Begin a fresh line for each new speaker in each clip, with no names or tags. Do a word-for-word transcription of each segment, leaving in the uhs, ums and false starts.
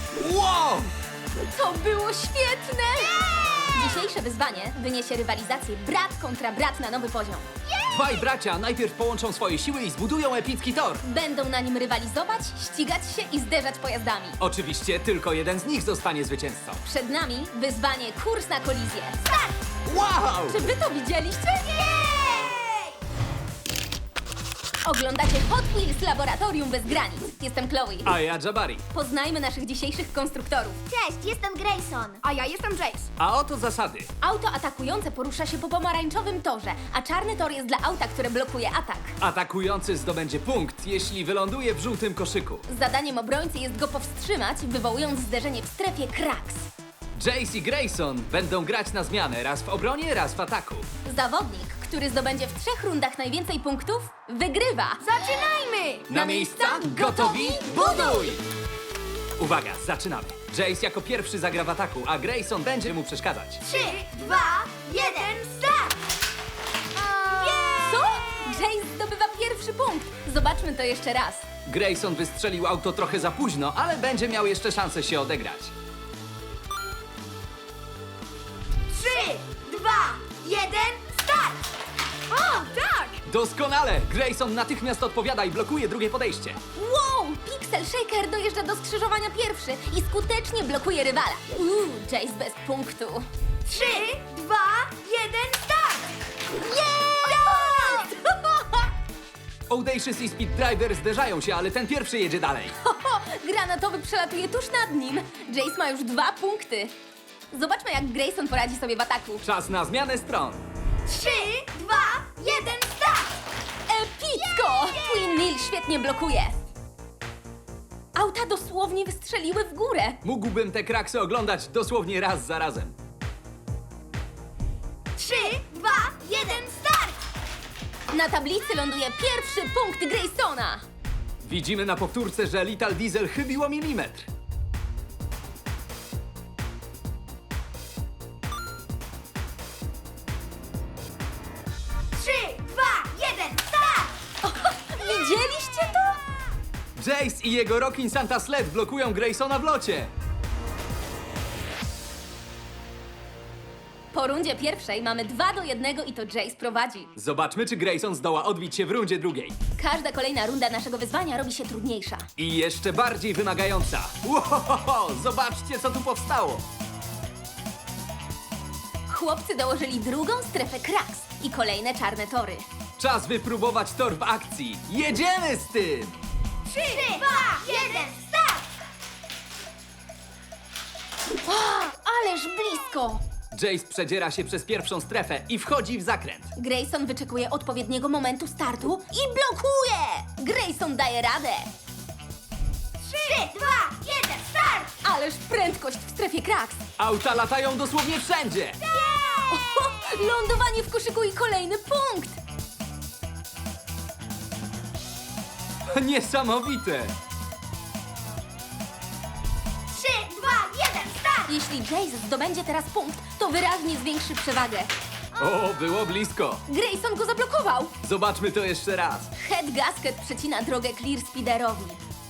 Wow!
To było świetne! Dzisiejsze wyzwanie wyniesie rywalizację brat kontra brat na nowy poziom.
Dwaj bracia najpierw połączą swoje siły i zbudują epicki tor.
Będą na nim rywalizować, ścigać się i zderzać pojazdami.
Oczywiście tylko jeden z nich zostanie zwycięzcą.
Przed nami wyzwanie kurs na kolizję. Start!
Wow!
Czy wy to widzieliście? Oglądacie Hot Wheels Laboratorium bez granic. Jestem Chloe.
A ja Jabari.
Poznajmy naszych dzisiejszych konstruktorów.
Cześć, jestem Grayson.
A ja jestem Jace.
A oto zasady.
Auto atakujące porusza się po pomarańczowym torze, a czarny tor jest dla auta, które blokuje atak.
Atakujący zdobędzie punkt, jeśli wyląduje w żółtym koszyku.
Zadaniem obrońcy jest go powstrzymać, wywołując zderzenie w strefie kraks.
Jace i Grayson będą grać na zmianę, raz w obronie, raz w ataku.
Zawodnik, który zdobędzie w trzech rundach najwięcej punktów, wygrywa.
Zaczynajmy!
Na miejsca, gotowi, buduj! Uwaga, zaczynamy. Jace jako pierwszy zagra w ataku, a Grayson będzie mu przeszkadzać.
Trzy, dwa, jeden, start!
Co? Jace zdobywa pierwszy punkt. Zobaczmy to jeszcze raz.
Grayson wystrzelił auto trochę za późno, ale będzie miał jeszcze szansę się odegrać.
Trzy, dwa, jeden, start!
O, tak!
Doskonale! Grayson natychmiast odpowiada i blokuje drugie podejście.
Wow! Pixel Shaker dojeżdża do skrzyżowania pierwszy i skutecznie blokuje rywala. Uuu, Jace bez punktu.
Trzy, dwa, jeden, start!
Audacious i Speed Driver zderzają się, ale ten pierwszy jedzie dalej.
Ho, ho, granatowy przelatuje tuż nad nim. Jace ma już dwa punkty. Zobaczmy, jak Grayson poradzi sobie w ataku.
Czas na zmianę stron.
Trzy, dwa, jeden, start!
Epicko! Twin Mill świetnie blokuje. Auta dosłownie wystrzeliły w górę.
Mógłbym te kraksy oglądać dosłownie raz za razem.
Trzy, dwa, jeden, start!
Na tablicy ląduje pierwszy punkt Graysona.
Widzimy na powtórce, że Little Diesel chybiło milimetr.
Trzy, dwa, jeden, start!
Widzieliście to?
Jace i jego Rockin' Santa Sled blokują Graysona w locie.
Po rundzie pierwszej mamy dwa do jednego i to Jace prowadzi.
Zobaczmy, czy Grayson zdoła odbić się w rundzie drugiej.
Każda kolejna runda naszego wyzwania robi się trudniejsza.
I jeszcze bardziej wymagająca. Łohohoho, zobaczcie, co tu powstało.
Chłopcy dołożyli drugą strefę kraks i kolejne czarne tory.
Czas wypróbować tor w akcji. Jedziemy z tym!
Trzy, dwa, jeden, start!
Ależ blisko!
Jace przedziera się przez pierwszą strefę i wchodzi w zakręt.
Grayson wyczekuje odpowiedniego momentu startu i blokuje! Grayson daje radę!
Trzy, dwa, jeden, start!
Ależ prędkość w strefie kraks!
Auta latają dosłownie wszędzie.
O, lądowanie w koszyku i kolejny punkt!
Niesamowite!
Trzy, dwa, jeden, start!
Jeśli Jace zdobędzie teraz punkt, to wyraźnie zwiększy przewagę.
O, było blisko.
Grayson go zablokował!
Zobaczmy to jeszcze raz.
Head Gasket przecina drogę Clear Speederowi.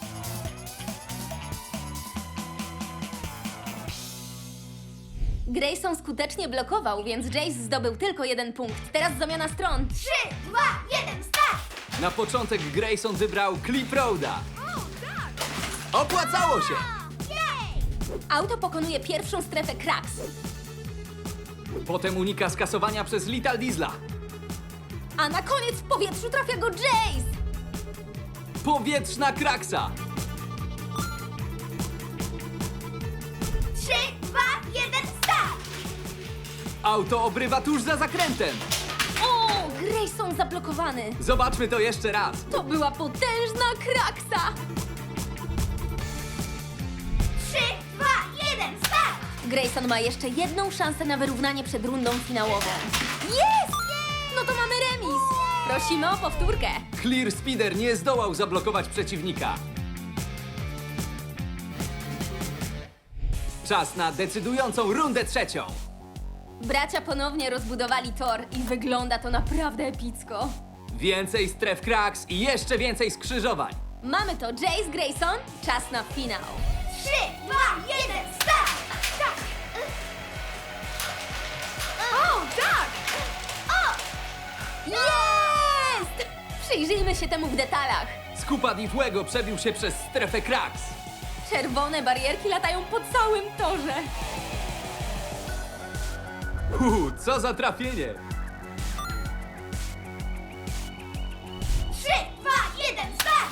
Grayson skutecznie blokował, więc Jace zdobył tylko jeden punkt. Teraz zamiana stron.
Trzy, dwa, jeden, start!
Na początek Grayson wybrał Clip Roada. Opłacało się!
Auto pokonuje pierwszą strefę kraks.
Potem unika skasowania przez Little Diesla.
A na koniec w powietrzu trafia go Jace!
Powietrzna kraksa!
Trzy, dwa, jeden, start!
Auto obrywa tuż za zakrętem.
O, Grayson zablokowany.
Zobaczmy to jeszcze raz.
To była potężna kraksa.
Trzy, dwa, jeden, start!
Grayson ma jeszcze jedną szansę na wyrównanie przed rundą finałową. Jest! No to mamy remis. Prosimy o powtórkę.
Clear Speeder nie zdołał zablokować przeciwnika. Czas na decydującą rundę trzecią.
Bracia ponownie rozbudowali tor i wygląda to naprawdę epicko.
Więcej stref kraks i jeszcze więcej skrzyżowań.
Mamy to Jace Grayson, czas na finał.
Trzy, dwa,
Przyjrzyjmy się temu w detalach.
Skupa Di Fuego przebił się przez strefę Krax.
Czerwone barierki latają po całym torze.
Uuu, co za trafienie!
trzy, dwa, jeden, start!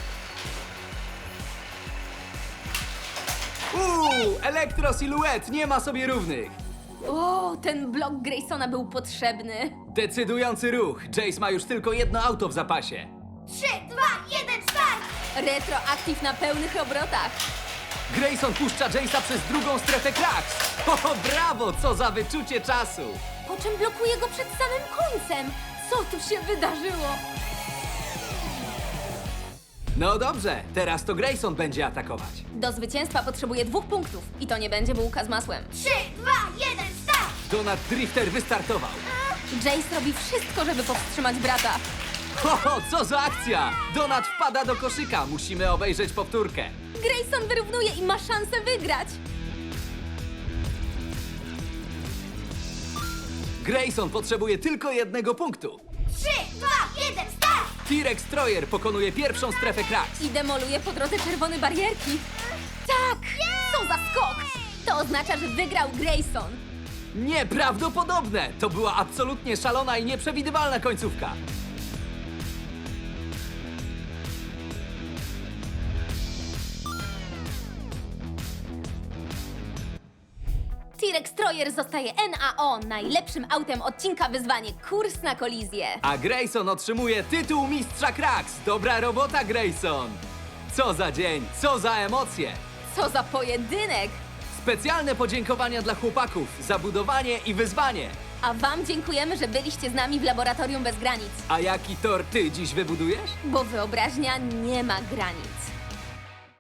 Uuu, Elektro-Siluet nie ma sobie równych.
O, ten blok Graysona był potrzebny.
Decydujący ruch. Jace ma już tylko jedno auto w zapasie.
trzy, dwa, jeden, start!
Retroaktyw na pełnych obrotach.
Grayson puszcza Jace'a przez drugą strefę Krax. O, brawo, co za wyczucie czasu.
Po czym blokuje go przed samym końcem. Co tu się wydarzyło?
No dobrze, teraz to Grayson będzie atakować.
Do zwycięstwa potrzebuje dwóch punktów. I to nie będzie bułka z masłem.
trzy, dwa, jeden, start!
Donat Drifter wystartował.
Jace robi wszystko, żeby powstrzymać brata.
Ho, co za akcja! Donat wpada do koszyka. Musimy obejrzeć powtórkę.
Grayson wyrównuje i ma szansę wygrać.
Grayson potrzebuje tylko jednego punktu.
trzy, dwa, jeden, start!
T-Rex Troyer pokonuje pierwszą strefę Krax.
I demoluje po drodze czerwone barierki. Tak! Co za skok! To oznacza, że wygrał Grayson.
Nieprawdopodobne! To była absolutnie szalona i nieprzewidywalna końcówka.
T-Rex Troyer zostaje N A O najlepszym autem odcinka wyzwanie Kurs na kolizję.
A Grayson otrzymuje tytuł mistrza Krax. Dobra robota, Grayson! Co za dzień, co za emocje!
Co za pojedynek!
Specjalne podziękowania dla chłopaków za budowanie i wyzwanie.
A wam dziękujemy, że byliście z nami w Laboratorium Bez Granic,
A jaki tor ty dziś wybudujesz?
bo wyobraźnia nie ma granic.